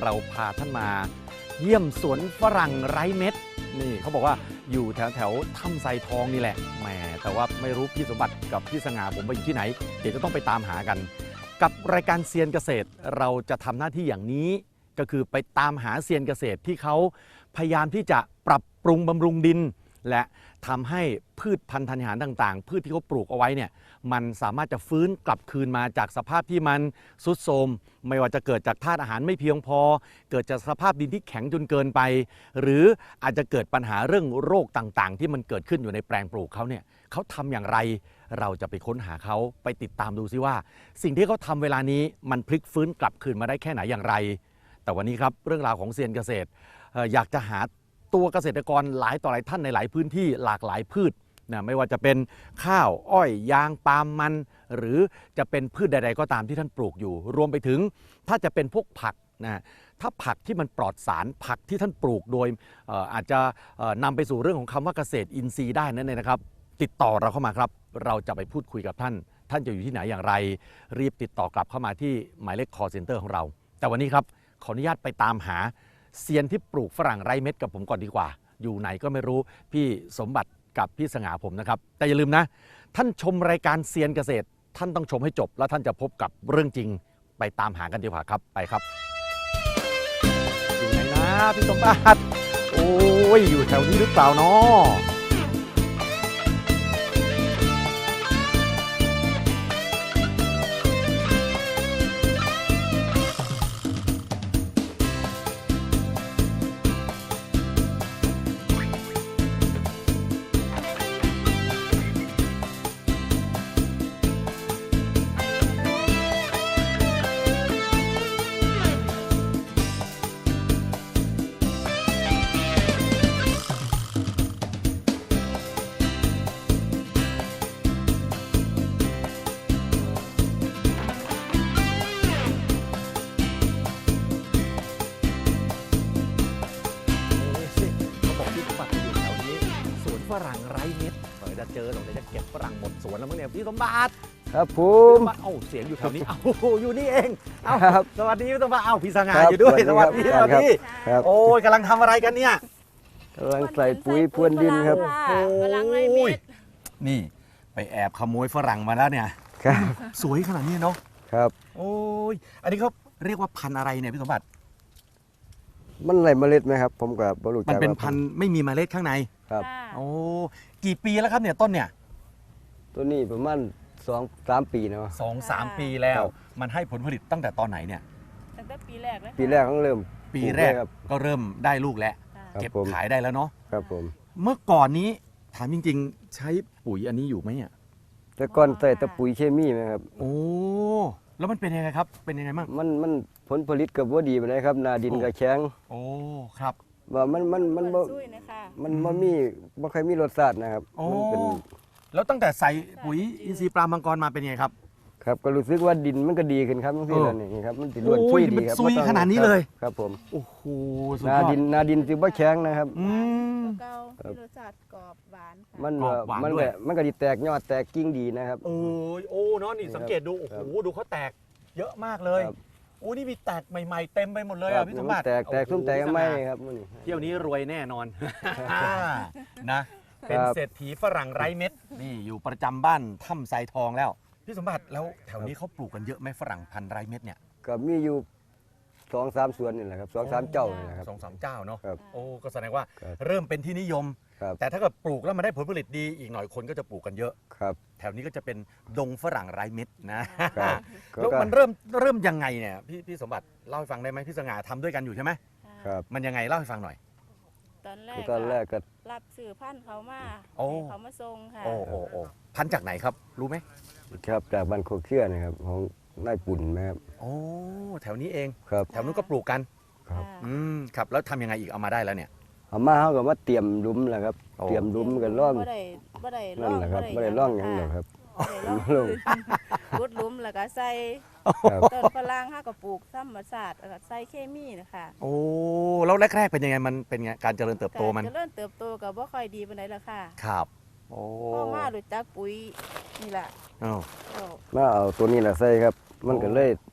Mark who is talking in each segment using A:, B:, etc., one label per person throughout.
A: เราพาท่านมาเยี่ยมสวนฝรั่งไร้เม็ดนี่เขาบอกว่าอยู่แถวถ้ำไซทองนี่แหละแหมแต่ว่าไม่รู้พี่สมบัติกับพี่สง่าผมไปอยู่ที่ไหนเดี๋ยวจะต้องไปตามหากันกับรายการเซียนเกษตรเราจะทำหน้าที่อย่างนี้ก็คือไปตามหาเซียนเกษตรที่เขาพยายามที่จะปรับปรุงบำรุงดินและทำให้พืชพันธุ์ธัญญาหารต่างๆพืชที่เขาปลูกเอาไว้เนี่ยมันสามารถจะฟื้นกลับคืนมาจากสภาพที่มันทรุดโทรมไม่ว่าจะเกิดจากธาตุอาหารไม่เพียงพอเกิดจากสภาพดินที่แข็งจนเกินไปหรืออาจจะเกิดปัญหาเรื่องโรคต่างๆที่มันเกิดขึ้นอยู่ในแปลงปลูกเขาเนี่ยเขาทำอย่างไรเราจะไปค้นหาเขาไปติดตามดูซิว่าสิ่งที่เขาทำเวลานี้มันพลิกฟื้นกลับคืนมาได้แค่ไหนอย่างไรแต่วันนี้ครับเรื่องราวของเซียนเกษตรอยากจะหาตัวเกษตรกรหลายต่อหลายท่านในหลายพื้นที่หลากหลายพืชนะไม่ว่าจะเป็นข้าวอ้อยยางปาล์มมันหรือจะเป็นพืชใดๆก็ตามที่ท่านปลูกอยู่รวมไปถึงถ้าจะเป็นพวกผักนะถ้าผักที่มันปลอดสารผักที่ท่านปลูกโดยอาจจะนำไปสู่เรื่องของคำว่าเกษตรอินทรีย์ได้นั่นเองนะครับติดต่อเราเข้ามาครับเราจะไปพูดคุยกับท่านจะอยู่ที่ไหนอย่างไรรีบติดต่อกลับเข้ามาที่หมายเลข call center ของเราแต่วันนี้ครับขออนุญาตไปตามหาเซียนที่ปลูกฝรั่งไร้เม็ดกับผมก่อนดีกว่าอยู่ไหนก็ไม่รู้พี่สมบัติกับพี่สง่าผมนะครับแต่อย่าลืมนะท่านชมรายการเซียนเกษตรท่านต้องชมให้จบแล้วท่านจะพบกับเรื่องจริงไปตามหากันดีกว่าครับไปครับอยู่ไหนนะพี่สมบัติโอ้ยอยู่แถวนี้หรือเปล่าเนาะฝรั่งไร้เม็ดเดี๋ยวจะเจอเดี๋ยวจะเก็บฝรั่งหมดสวนแล้วมั้งเนี่ยพี่สมบัติ
B: ครับผ
A: พี่
B: ม
A: สมบัติเอ้าเสียงอยู่แถวนี้เอ้าอยู่นี่เองเอ้า
B: ครับ
A: สวัสดีพี่สมบัติเอ้าพี่สง่าอยู่ด้วยสวัสดีสวัสดี
B: ครับ
A: โอ้ยกำลังทำอะไรกันเนี่ย
B: กำลังใส่ปุ๋ยพรวนดินครับ
C: ฝรั่งไร้เม็ด
A: นี่ไปแอบขโมยฝรั่งมาแล้วเนี่ย
B: ครับ
A: สวยขนาดนี้เนาะ
B: ครับ
A: โอ้ยอันนี้เขาเรียกว่าพันธุ์อะไรเนี่ยพี่สมบัติ
B: มันไรเมล็ดไหมครับ ผมกับบรรลุ
A: มันเป็นพันธุ์ไม่มีเมล็ดข้างใน
B: ครับ
A: โอ้กี่ปีแล้วครับเนี่ยต้นเนี่ย
B: ตัวนี้ประมาณ2-3 ปีเนาะ
A: 2-3 ปีแล้ว
B: ครับ
A: มันให้ผลผลิตตั้งแต่ตอนไหนเนี่ย
C: ตั้งแต่ปีแรกเลย
B: ปีแรกต้องเริ่ม
A: ปีแรก
B: ปลูครับ
A: ก็เริ่มได้ลูกแล้ว
B: ครับ
A: เก็บ
B: ผม
A: ขายได้แล้วเนาะ
B: ครับผม
A: เมื่อก่อนนี้ถามจริงๆ ใช้ปุ๋ยอันนี้อยู่ไหมเนี่ย
B: แต่ก่อนใส่แต่ปุ๋ยเคมีไหมครับ
A: โอ้แล้วมันเป็นยังไงครับเป็นยังไงบ้าง
B: มันผลผลิตกับว่าดีไปเลยครับนาดิน
A: โอ้
B: กับแข็ง
A: โอ้ครับ
B: ว่ามันบ่
C: ซุยนะคะ
B: บ่ค่อยมีรสชาตินะครับ
A: โอ้
B: มันเป็น
A: แล้วตั้งแต่ใส่ปุ๋ยอินทรีย์ปลามังกรมาเป็นยังไงครับ
B: ครับก็รู้สึกว่าดินมันก็ดีขึ้นครับทั้งที่แล้วนี่ครับมันติรวน
A: โอ้
B: ซุ
A: ย
B: ยดี
A: มัน
B: ครับ
A: ซุย
B: บ่ต้อง
A: ขนาดนี้เลย
B: ครับผม
A: โอ้โหสุด
B: นาย
A: อด
B: ดินสิบ่แข็งนะครับ
A: อืม
C: เก่ามีรสชาติกรอบหวานค่ะ
B: มัน
A: กรอบหวาน
B: มัน
A: ด้วย
B: มันก็ดีแตกยอดแตกกิ่งดีนะครับ
A: โอ้ยโอ้เนาะนี่สังเกตดูโอ้
B: ครั
A: โห
B: บ
A: ดูเขาแตกเยอะมากเลย
B: ครับ
A: โอ้นี่มีแตกใหม่ๆเต็มไปหมดเลย
B: ครั
A: อ่ะ
B: บ
A: พี่สมบัติ
B: แตก
A: โอ้โห
B: ส้มแตก
A: พี่ส
B: ไม่
A: ง่า
B: ครับมื้อนี้
A: เที่ยวนี้รวยแน่นอน นะเป็น
B: ครับ
A: เศรษฐีฝรั่งไร้เม็ดนี่อยู่ประจำบ้านถ้ำไซทองแล้วพี่สมบัติแล้วแถวนี้เขาปลูกกันเยอะไหมฝรั่งพันธุ์ไร้เม็ดเนี่ย
B: ก็มีอยู่2-3 สวนนี่แหละครับ2-3 เจ้านี่แหละครับ
A: 2-3 เจ้าเนาะ
B: ครับ
A: โอ้ก็แสดงว่า
B: ครับ
A: เริ่มเป็นที่นิยม
B: ครับ
A: แต่ถ้าเกิดปลูกแล้วมันได้ผลผลิตดีอีกหน่อยคนก็จะปลูกกันเยอะ
B: ครับ
A: แถวนี้ก็จะเป็นดงฝรั่งไร้เม็ดนะครับ แล้ว
B: ก็
A: มันเริ่มยังไงเนี่ยพี่สมบัติเล่าให้ฟังได้ไหมพี่สง่าทำด้วยกันอยู่ใช่ไหม
B: ครับ
A: มันยังไงเล่าให้ฟังหน่อย
C: ตอนแร
B: คื
C: ก
B: อตอนแรกก็
C: รับสื่อพันธุ์เขามา
A: โอ้
C: ให้เขามาส่งค่ะ
A: โอ้พันธุ์จากไหนครับรู้ไหม
B: ครับจากบ้านโคกเชื่อนะครับของนายปุ่นนะครับ
A: โอ้แถวนี้เอง
B: ครับ
A: แถวนู้นก็ปลูกกัน
B: ครับ
C: ค่ะ
A: ครับแล้วทำยังไงอีกเอามาได้แล้วเนี่ย
B: เอามาเขาก็มาเตรียมหลุมแหละครับ
A: โอ้
B: เตรียมหลุมกันร่อง
C: บ่ได้
B: นั่นแหละครับไม่ได้ร่องหยังหรอกครับ
C: บ่ได้ร่อง
B: ลง
C: รุดหลุมแล้วก็ใส่
B: ครับ
C: ต้นฝรั่งเฮาก็ปลูกธรรมชาติแล้วก็ใส่เคมีนะคะ
A: โอ้แล้วแรกๆเป็นยังไงมันเป็นไงการเจริญเติบโตมัน
C: การเจริญเติบโตก็บ่ค่อยดีปานใดล่ะค่ะ
A: ครับโอ้
C: พ่อมารู้จักปุ๋ยนี่ล่ะ
A: อ้าว
C: ก็
B: มาเอาตัวนี้แหละใส่ครับ มันก็เลย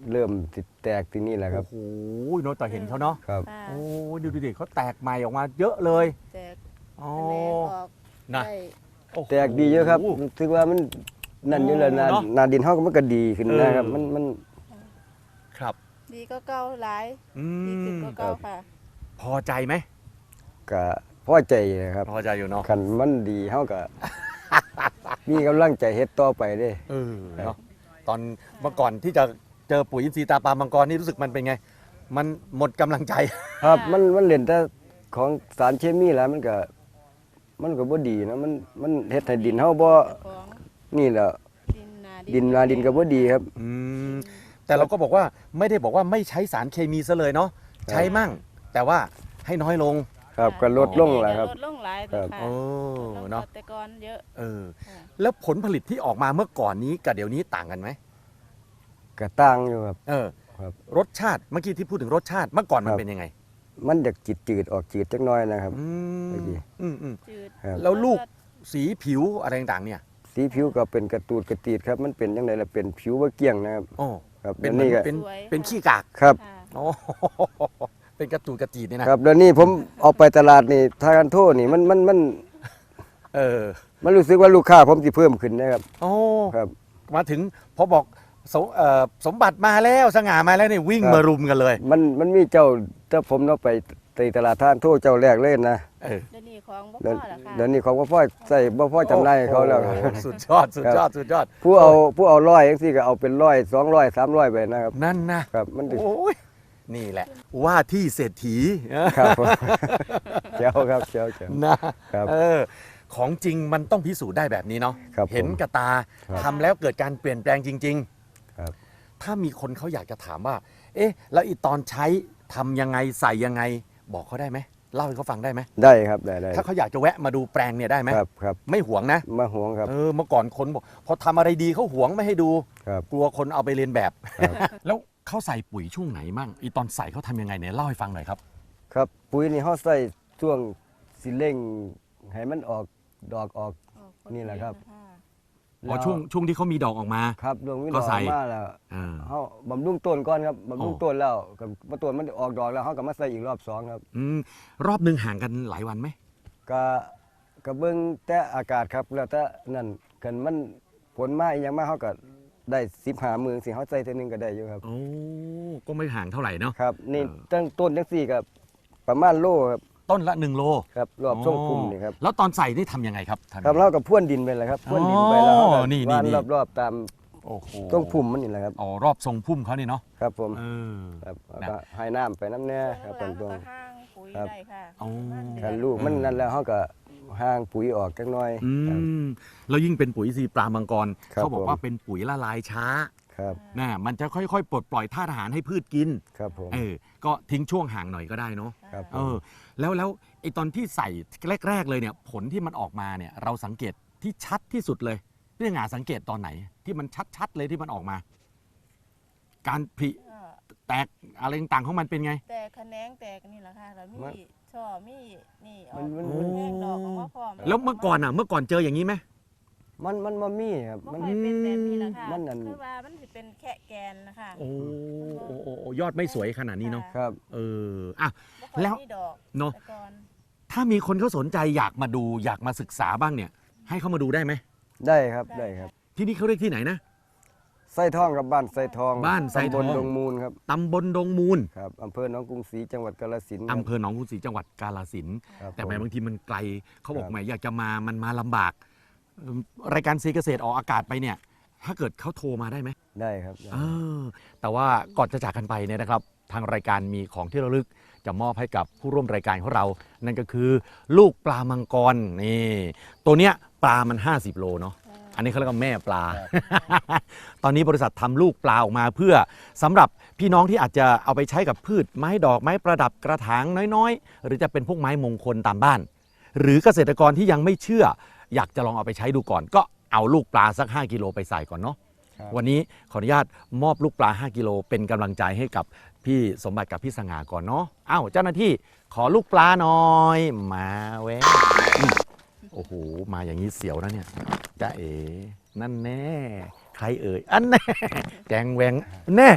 B: เริ่มติดแตกที่นี่แหละครับ
A: โอ้โหเนาะแต่เห็นเขาเนาะ
B: ครับ
C: ค่ะ
A: โอ้ยดูดิเขาแตกใหม่ออกมาเยอะเลย
C: แตก
A: อ๋อ
C: แมลงออก
A: นะ
C: ได้
A: โอ้โห
B: แตกดีเยอะครับรู้สึกว่ามันนั่นอยู่แล้วนา
A: เนอะ
B: นาดินเฮาก็มันก็ดีขึ้นนะครับ
A: เออ
B: มัน
A: ครับ
C: ดีก็เก่าหลาย
A: อื
C: ดีขึ้น
A: ม
C: ก็เก่าค่ะ
A: พอใจไหม
B: ก็พอใจนะครับ
A: พอใจอยู่เนาะ
B: คันมันดีเฮาก็ มีกำลังใจเฮ็ดต่อไปเด้
A: เออเนาะตอนเมื่อก่อนที่จะเจอปุ๋ยอินทรีย์ตาปลามังกรนี่รู้สึกมันเป็นไง มันหมดกำลังใจ
B: ครับมันเล่นแต่ของสารเคมีแล้วมันก็บ่ดีนะมันเฮ็ดให้ดินเฮาบ่
C: เจ้าของ
B: นี่แหละ
C: ดินนา
B: ดินก็บ่ดีครับ
A: อืมแต่เราก็บอกว่าไม่ได้บอกว่าไม่ใช้สารเคมีซะเลยเนาะใช้มั่ง แต่ว่าให้น้อยลง
B: ครับก็ลดลงแหละครับ
C: ลดลงหลาย
B: ครับ
C: ค่ะ
A: โอ้
C: ลดลง
A: เนาะ
C: แต่ก่อนเยอะ
A: เออ
C: ค่ะ
A: แล้วผลผลิตที่ออกมาเมื่อก่อนนี้กับเดี๋ยวนี้ต่างกันไหม
B: ก็ต่างอยู่ครับ
A: เออ
B: ครับ
A: รสชาติเมื่อกี้ที่พูดถึงรสชาติเมื่อก่อนมัน
B: ครับ
A: เป็นยังไง
B: มันจะจืดๆออกจืดจักหน่อยนะครับ
A: อื
B: เมื่อกี้
A: ม
C: จืด
B: ครับ
A: แล้วลูกสีผิวอะไรต่างๆเนี่ย
B: สีผิวก็เป็นกระตูดกระตีดครับ มันเป็นจังไดล่ะเป็นผิวบ่เกลี้ยงนะครับ
A: โอ้
B: ครับ
A: เป็น
B: แล้วนี่ก็
A: เป็น
C: สวย
A: เป็น
C: ค่ะ
A: ขี้กาก
B: ครับ
C: ค่ะ
A: โอ้ เป็นกระตูดกระจีดเนี่ยนะครับ
B: แล้วนี่ผมออกไปตลาดนี่ทากันโทษนี่มัน
A: เออ
B: มันรู้สึกว่าลูกค้าผมสิเพิ่มขึ้นนะครับ
A: โอ้
B: ครับ
A: มาถึงพอบอกสมบัติมาแล้วสง่ามาแล้วนี่วิ่ง
B: ครับ
A: มารุมกันเลย
B: มันมีเจ้าถ้าผมเนาะไปตลาดทานโทษเจ้าแรกเลยนะ
A: เออ
C: เดี๋ยวนี้ของบ่พ
B: เดี๋ยว
C: อละค่ะ
B: เดี๋ยวนี้เขาบ่พอใส่บ่พอจำหน่ายให้เขาแล้ว
A: โอ้โหสุดยอดสุดยอดสุดยอด
B: ผู้เอาร้อยจังซี่ก็เอาเป็น100 200 300ไปนะครับ
A: นั่นนะครับ
B: มันถึง
A: โอ้ยนี่แหละ ว่าที่เศรษฐี
B: ครับผม เจ้าครับเจ้า
A: นะครับ เออของจริงมันต้องพิสูจน์ได้แบบนี้เนาะ
B: ครับผม
A: เห็นกับตา
B: ครับ
A: ทำแล้วเกิดการเปลี่ยนแปลงจริง
B: ครับ
A: ๆ ถ้ามีคนเขาอยากจะถามว่า เอ๊ะ แล้วอีตอนใช้ทำยังไงใส่ยังไง บอกเขาได้ไหมเล่าให้เขาฟังได้ไหม
B: ได้ครับได้
A: ถ้าเขาอยากจะแวะมาดูแปลงเนี่ยได้ไหม
B: ครับ
A: ไม่หวงนะ
B: มาห่วงครับ
A: เออเมื่อก่อนคนบอกพอทำอะไรดีเขาหวงไม่ให้ดู
B: ครับ
A: กลัวคนเอาไปเรียนแบบ
B: ครับ
A: แล้วเขาใส่ปุ๋ยช่วงไหนมั่งอีตอนใส่เขาทำยังไงเนี่ยเล่าให้ฟังหน่อยครับ
B: ครับปุ๋ยนี่เฮาใส่ช่วงสิเร่งให้มันออกดอกออก นี่แหละครับ
A: พอช่วงที่เขามีดอกออกมา
B: ครับดวงวิด
A: ก็
B: อก
A: ใส่
B: มาแล้ว
A: อ่า
B: เฮาบำรุงต้นก่อนครับบำรุง
A: อ๋อ
B: ต้นแล้วก็มาต้นมันออกดอกแล้วเฮาก็มาใส่อีกรอบสองครับ
A: รอบหนึ่งห่างกันหลายวันไหม
B: ก็เบิ่งแต่อากาศครับแล้วแต่นั่นกันมันฝนมาอีหยังมาเฮาก็ได้15มื้อสิเฮาใส่เทื่อนึงก็ได้อยู่ครับ
A: โอ้ก็ไม่ห่างเท่าไหร่เนาะ
B: ครับนี่
A: เออ
B: ตั้งต้นจังซี่ก็ประมาณโลครับ
A: ต้นละ1 โล
B: ครับรอบช่วงคุมนี่ครับ
A: แล้วตอนใส่นี่ทำยังไงครับทำยังไง
B: ครับเราก็พ่วนดินไปเลยครับพ่วนดินไปแล้วเราก็
A: นี่
B: วาน
A: นี่
B: รอบๆตาม
A: โอ้โห
B: ต้นพุ่มมันนี่แหละครับ
A: อ๋อรอบทรงพุ่มเขานี่เนาะ
B: ครับผม
A: เออ
B: ครับแล้ว
A: นะ
B: ก็ให้น้ำไปน้ำแน่ค
C: ค
B: รั
C: รั
B: บบ ตรงตรง
C: ห้างปุ๋ย
B: ครับ
C: ได้ค่ะ
A: อ๋อ
B: คันลูกมันนั่นแล้วเขาก็ห่างปุ๋ยออกจักหน่อย ครับ
A: แล้วยิ่งเป็นปุ๋ยซีปลามังกร
B: ครับ
A: เขาบอก
B: ผม
A: ว่าเป็นปุ๋ยละลายช้า
B: ครับ
A: นะมันจะค่อยๆ ปลดปล่อยธาตุอาหารให้พืชกิน
B: ครับผม
A: ก็ทิ้งช่วงห่างหน่อยก็ได้เนาะ
B: ครับผ
A: เอ
B: ม
A: อแล้วไอตอนที่ใส่แรกๆเลยเนี่ยผลที่มันออกมาเนี่ยเราสังเกตที่ชัดที่สุดเลยพี่หงาสังเกตตอนไหนที่มันชัดๆเลยที่มันออกมา การผลิ
C: ก็
A: แตกอะไรต่างๆของมันเป็นไง
C: แต่ขะแนงแตกนี่แหละค่ะแล้วมีช่อมีนี่ออก
B: มัน
C: แห้งดอกออกมาพร้อม
A: แล้วเมื่อก่อนเจออย่างนี้ไหม
B: มันบ่มีครับ
C: มั
B: มัน น
C: ค่อยเป็นแบบนี้แหละค่ะ
B: มันอัน
C: คือว่ามันสิเป็นแค่แกนนะคะ
A: โอ้ยอดไม่สวยขนาดนี้เนาะ
B: ครับ
A: เอออ่ะ
C: บ่ค่อย
A: แล้ว
C: มีดอก
A: เนอะ
C: แต่ก่อน
A: ถ้ามีคนเขาสนใจอยากมาดูอยากมาศึกษาบ้างเนี่ย ให้เขามาดูได้ไหม
B: ได้ครับได้ครับ
A: ที่นี่เขาเรียกที่ไหนนะ
B: ไส้ทองกับบ้านไส้ทอง
A: บ้านไส้ทอง
B: ตำบลดงมูลครับ
A: ตำบลดงมูล
B: ครับอำเภอหนองกรุงศรีจังหวัดกาฬสินธุ์ครับ
A: อำเภอหนองกรุงศรีจังหวัดกาฬสินธุ์
B: ครับ
A: แต่แหม
B: ผม
A: บางทีมันไกลเขาบอก
B: ครับ
A: แหมอยากจะมามันมาลำบากรายการซีเกษตรออกอากาศไปเนี่ย ถ้าเกิดเขาโทรมาได้ไหม
B: ได้ครับได้
A: เออแต่ว่าก่อนจะจากกันไปเนี่ยนะครับ ทางรายการมีของที่ระลึกจะมอบให้กับผู้ร่วมรายการของเรา นั่นก็คือลูกปลามังกรนี่ตัวเนี้ยปลามัน50 โลเนาะอันนี้เขาเรียกว่าแม่ปลา ตอนนี้บริษัททำลูกปลาออกมาเพื่อสำหรับพี่น้องที่อาจจะเอาไปใช้กับพืชไม้ดอกไม้ประดับกระถางน้อยๆ หรือจะเป็นพวกไม้มงคลตามบ้าน หรือเกษตรกรที่ยังไม่เชื่อ อยากจะลองเอาไปใช้ดูก่อน ก็เอาลูกปลาสัก5 กิโลไปใส่ก่อนเนาะ
B: ครับ
A: วันนี้ขออนุญาตมอบลูกปลา5 กิโลเป็นกำลังใจให้กับพี่สมบัติกับพี่สง่าก่อนเนาะอ้าวเจ้าหน้าที่ขอลูกปลาหน่อยมาแวะโอ้โหมาอย่างนี้เสียวนะเนี่ยจ้าเอ๋นั่นแน่ใครเอ่ยอันแน่แจงแหวงแน่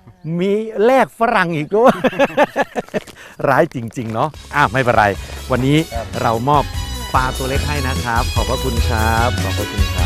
A: มีแลกฝรั่งอีกด้วย ร้ายจริง ๆ เนาะไม่เป็นไร วันนี้
B: ครับ
A: เรามอบปลาตัวเล็กให้นะครับ ขอบพระคุณครับ ขอบพระคุณครับ